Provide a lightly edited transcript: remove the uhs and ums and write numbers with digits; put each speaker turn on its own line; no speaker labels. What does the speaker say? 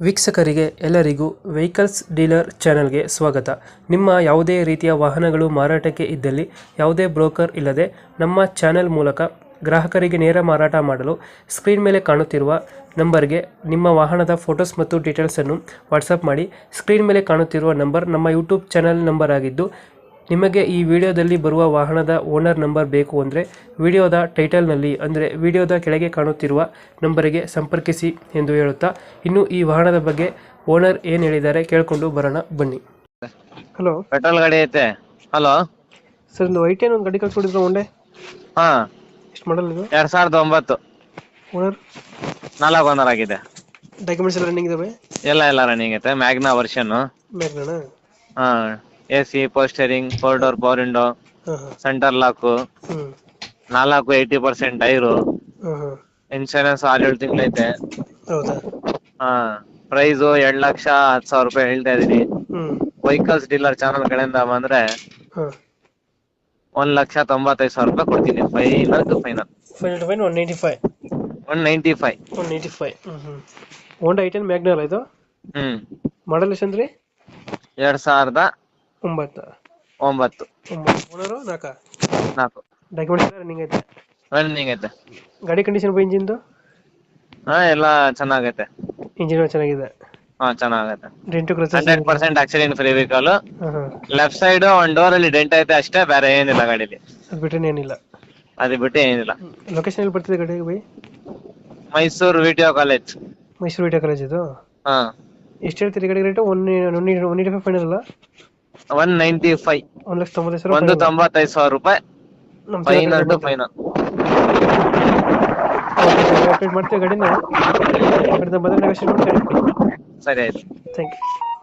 ವೀಕ್ಷಕರಿಗೆ ಎಲ್ಲರಿಗೂ vehicles dealer ಚಾನೆಲ್ಗೆ ಸ್ವಾಗತ. ನಿಮ್ಮ ಯಾವುದೇ ರೀತಿಯ ವಾಹನಗಳು ಮಾರಾಟಕ್ಕೆ ಇದ್ದಲ್ಲಿ ಯಾವುದೇ ಬ್ರೋಕರ್ ಇಲ್ಲದೆ ನಮ್ಮ ಚಾನೆಲ್ ಮೂಲಕ ಗ್ರಾಹಕರಿಗೆ ನೇರ ಮಾರಾಟ ಮಾಡಲು ಸ್ಕ್ರೀನ್ ಮೇಲೆ ಕಾಣುತ್ತಿರುವ ನಂಬರ್ಗೆ ನಿಮ್ಮ ವಾಹನದ ಫೋಟೋಸ್ ಮತ್ತು ಡೀಟೇಲ್ಸನ್ನು ವಾಟ್ಸಪ್ ಮಾಡಿ. ಸ್ಕ್ರೀನ್ ಮೇಲೆ ಕಾಣುತ್ತಿರುವ ನಂಬರ್ ನಮ್ಮ ಯೂಟ್ಯೂಬ್ ಚಾನೆಲ್ ನಂಬರ್ ಆಗಿದ್ದು, ನಿಮಗೆ ಈ ವಿಡಿಯೋದಲ್ಲಿ ಬರುವ ವಾಹನದ ಓನರ್ ನಂಬರ್ ಬೇಕು ಅಂದರೆ ವಿಡಿಯೋದ ಟೈಟಲ್ನಲ್ಲಿ ಅಂದರೆ ವಿಡಿಯೋದ ಕೆಳಗೆ ಕಾಣುತ್ತಿರುವ ನಂಬರಿಗೆ ಸಂಪರ್ಕಿಸಿ ಎಂದು ಹೇಳುತ್ತಾ, ಇನ್ನು ಈ ವಾಹನದ ಬಗ್ಗೆ ಓನರ್ ಏನು ಹೇಳಿದ್ದಾರೆ ಕೇಳಿಕೊಂಡು ಬರೋಣ ಬನ್ನಿ. ಹಲೋ,
ಪೆಟ್ರೋಲ್ ಗಾಡಿ ಐತೆ. ಹಲೋ
ಸರ್, ಒಂದು ಐಟೆನ್ ಒಂದು ಗಾಡಿ ಕಳ್ಸ್ಕೊಡಿದ್ರು ಒಂಡೆ.
ಹಾ,
ಎಷ್ಟು ಮಾಡಲ್ ಇದು?
2009
ಓನರ್
4 ಓನರ್ ಆಗಿದೆ.
ಡಾಕ್ಯುಮೆಂಟ್ಸ್ ಎಲ್ಲ ರನ್ನಿಂಗ್ ಇದಾವೆ?
ಎಲ್ಲ ರನ್ನಿಂಗ್ ಐತೆ. Magna version.
ಮ್ಯಾಗ್ನಾ?
ಹಾ, AC, ಪೋಸ್ಟರಿಂಗ್, 4 ಡೋರ್ ಪವರ್ ವಿಂಡೋ,
ಹಾಂ ಹಾಂ.
ಸೆಂಟರ್ ಲಾಕ್,
ಹ್ಞೂ
80% ಟೈರು,
ಹಾಂ ಹಾಂ.
ಇನ್ಶೂರೆನ್ಸ್ 6-7 ತಿಂಗಳೈತೆ.
ಹೌದಾ?
ಹಾ, ಪ್ರೈಸ್ 2,10,000 ರೂಪಾಯಿ ಹೇಳ್ತಾ ಇದೀನಿ.
ಹ್ಞೂ
ವೆಹಿಕಲ್ಸ್ ಡೀಲರ್ ಚಾನಲ್ ಕಡೆಯಿಂದ ಬಂದ್ರೆ
ಹಾಂ.
1,95,000 ರೂಪಾಯಿ ಕೊಡ್ತೀನಿ. Final to final.
Final to final 195.
195.
195. ಹ್ಞೂ. ಹೋಂಡಾ ಐಟೆನ್ ಮ್ಯಾಗ್ನಾ ಅಲ್ಲ ಇದು?
ಹ್ಮ್.
ಮಾಡಲ್ ಎಷ್ಟು ಅಂದ್ರಿ?
2009.
9. ಓನರು 4. ಡಾಕ್ಯುಮೆಂಟ್ಸ್ ಎಲ್ಲ ರನ್ನಿಂಗ್ ಐತೆ?
ರನ್ನಿಂಗ್ ಐತೆ.
ಗಾಡಿ ಕಂಡೀಷನ್ ಇಂಜಿನ್ದು?
ಹಾ, ಎಲ್ಲ ಚೆನ್ನಾಗೈತೆ.
ಇಂಜಿನ್ ಚೆನ್ನಾಗಿದೆ?
ಹಾ, ಚೆನ್ನಾಗೈತೆ.
Dent scratches?
100% accident free vehicle.
ಹಾಂ.
ಲೆಫ್ಟ್ ಸೈಡ್ ಒಂದ್ ಡೋರ್ ಅಲ್ಲಿ ಡೆಂಟ್ ಐತೆ ಅಷ್ಟೇ, ಬೇರೆ ಏನಿಲ್ಲ ಗಾಡಿಲಿ.
ಅದು ಬಿಟ್ಟರೆ ಏನಿಲ್ಲ?
ಅದು ಬಿಟ್ಟು ಏನಿಲ್ಲ.
ಲೊಕೇಶನ್ ಎಲ್ಲಿ ಬರ್ತಿದೆ ಗಾಡಿಗೆ ಬೈ?
ಮೈಸೂರು ವಿಟಿಯೋ ಕಾಲೇಜ್.
ಮೈಸೂರು ವಿಟಿಯೋ ಕಾಲೇಜ್ ಇದು?
ಹಾ.
ಎಷ್ಟು ಹೇಳ್ತೀರಿ ಗಾಡಿ ರೇಟು? 195 ಫೈನಲ್ ಅಲ್ಲ?
195.
1,90,000.
195,000 ರೂಪಾಯಿ ಫೈನಲ್ ಟು ಫೈನಲ್.
ಅಪ್ಡೇಟ್ ಮಾಡ್ತೀವಿ ಗಾಡಿನ. ಬಂದರೆ ನೆಗೋಷಿಯೇಟ್ ಮಾಡಿ ಗಾಡಿ ಕೊಡಿ.
ಸರಿ ಆಯ್ತು.
Thank you.